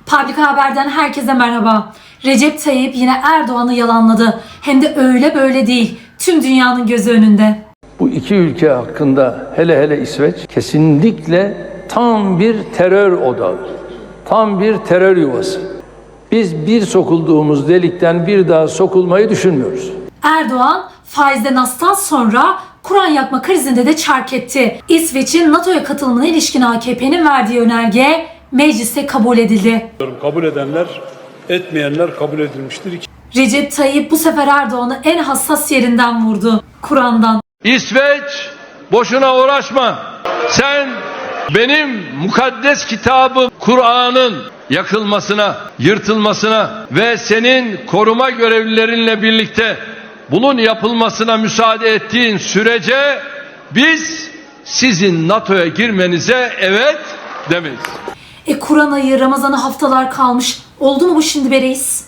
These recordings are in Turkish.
Public Haber'den herkese merhaba. Recep Tayyip yine Erdoğan'ı yalanladı. Hem de öyle böyle değil. Tüm dünyanın gözü önünde. Bu iki ülke hakkında hele İsveç kesinlikle tam bir terör odağı, tam bir terör yuvası. Biz bir sokulduğumuz delikten bir daha sokulmayı düşünmüyoruz. Erdoğan faizden astan sonra Kur'an yakma krizinde de çark etti. İsveç'in NATO'ya katılımına ilişkin AKP'nin verdiği önerge mecliste kabul edildi. Kabul edenler, etmeyenler kabul edilmiştir. Recep Tayyip bu sefer Erdoğan'ı en hassas yerinden vurdu. Kur'an'dan. İsveç, boşuna uğraşma. Sen benim mukaddes kitabım Kur'an'ın yakılmasına, yırtılmasına ve senin koruma görevlilerinle birlikte bunun yapılmasına müsaade ettiğin sürece biz sizin NATO'ya girmenize evet demeyiz. Kur'an ayı, Ramazan'a haftalar kalmış. Oldu mu bu şimdi be reis?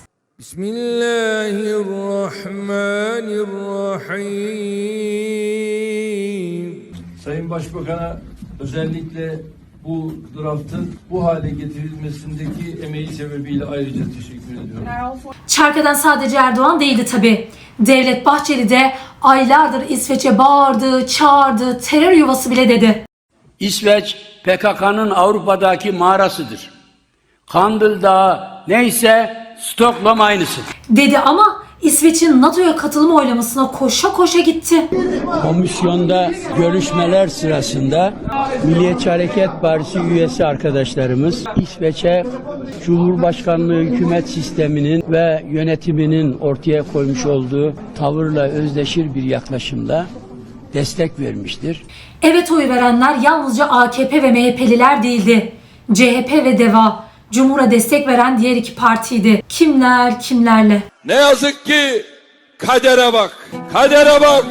Bismillahirrahmanirrahim. Sayın Başbakan'a özellikle bu draftın bu hale getirilmesindeki emeği sebebiyle ayrıca teşekkür ediyorum. Çark eden sadece Erdoğan değildi tabi. Devlet Bahçeli de aylardır İsveç'e bağırdı, çağırdı, terör yuvası bile dedi. İsveç PKK'nın Avrupa'daki mağarasıdır. Kandil Dağı neyse Stockholm aynısı. Dedi ama İsveç'in NATO'ya katılım oylamasına koşa koşa gitti. Komisyonda görüşmeler sırasında Milliyetçi Hareket Partisi üyesi arkadaşlarımız İsveç'e Cumhurbaşkanlığı hükümet sisteminin ve yönetiminin ortaya koymuş olduğu tavırla özdeşir bir yaklaşımla destek vermiştir. Evet oyu verenler yalnızca AKP ve MHP'liler değildi. CHP ve DEVA, Cumhur'a destek veren diğer iki partiydi. Kimler kimlerle? Ne yazık ki kadere bak, kadere bak.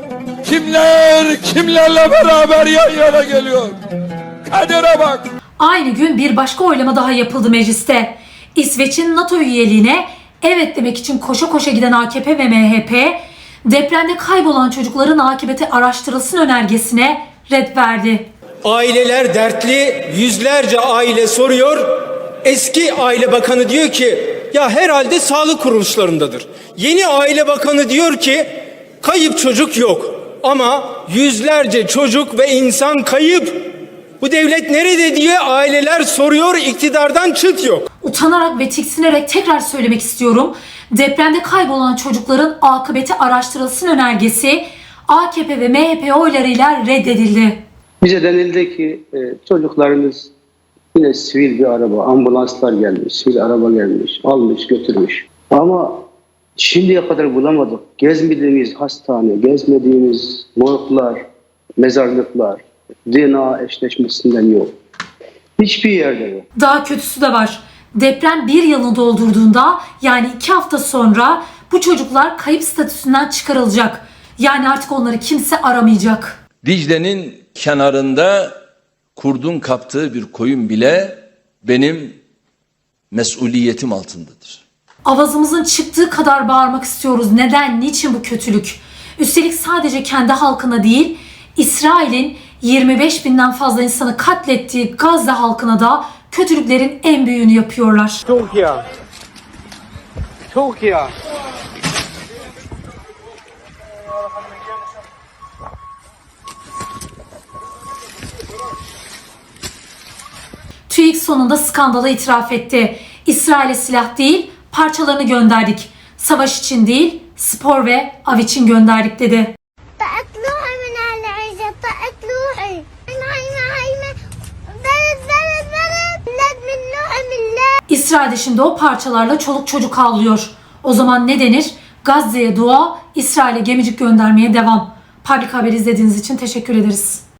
Kimler kimlerle beraber yan yana geliyor. Kadere bak. Aynı gün bir başka oylama daha yapıldı mecliste. İsveç'in NATO üyeliğine evet demek için koşa koşa giden AKP ve MHP, depremde kaybolan çocukların akıbeti araştırılsın önergesine red verdi. Aileler dertli, yüzlerce aile soruyor. Eski Aile Bakanı diyor ki ya herhalde sağlık kuruluşlarındadır. Yeni Aile Bakanı diyor ki kayıp çocuk yok ama yüzlerce çocuk ve insan kayıp. Bu devlet nerede diye aileler soruyor, iktidardan çıt yok. Utanarak ve tiksinerek tekrar söylemek istiyorum. Depremde kaybolan çocukların akıbeti araştırılsın önergesi AKP ve MHP oylarıyla reddedildi. Bize denildi ki çocuklarınız yine sivil bir araba, ambulanslar gelmiş, sivil araba gelmiş, almış, götürmüş. Ama şimdiye kadar bulamadık. Gezmediğimiz hastane, gezmediğimiz morglar, mezarlıklar, DNA eşleşmesinden yok. Hiçbir yerde yok. Daha kötüsü de var. Deprem bir yılını doldurduğunda, yani 2 hafta sonra bu çocuklar kayıp statüsünden çıkarılacak. Yani artık onları kimse aramayacak. Dicle'nin kenarında kurdun kaptığı bir koyun bile benim mesuliyetim altındadır. Avazımızın çıktığı kadar bağırmak istiyoruz. Neden, niçin bu kötülük? Üstelik sadece kendi halkına değil, İsrail'in 25.000'den fazla insanı katlettiği Gazze halkına da kötülüklerin en büyüğünü yapıyorlar. Türkiye. TÜİK sonunda skandala itiraf etti. İsrail'e silah değil, parçalarını gönderdik. Savaş için değil, spor ve av için gönderdik dedi. İsrail'de şimdi o parçalarla çoluk çocuk ağlıyor. O zaman ne denir? Gazze'ye dua, İsrail'e gemicik göndermeye devam. Public Haber izlediğiniz için teşekkür ederiz.